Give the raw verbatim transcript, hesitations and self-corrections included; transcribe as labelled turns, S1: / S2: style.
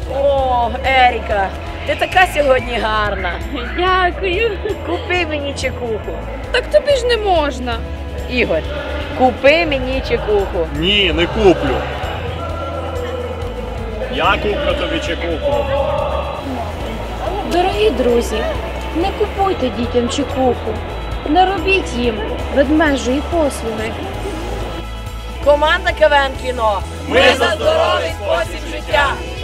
S1: О, Еріка, ти така сьогодні гарна.
S2: Дякую.
S1: Купи мені чекуху.
S2: Так тобі ж не можна.
S1: Ігор, купи мені чекуху.
S3: Ні, не куплю. Я куплю тобі чекуху.
S2: Дорогі друзі, не купуйте дітям чекуху. Не робіть їм ведмежої послуги.
S1: Команда КВН Кіно.
S3: Ми за здоровий спосіб життя.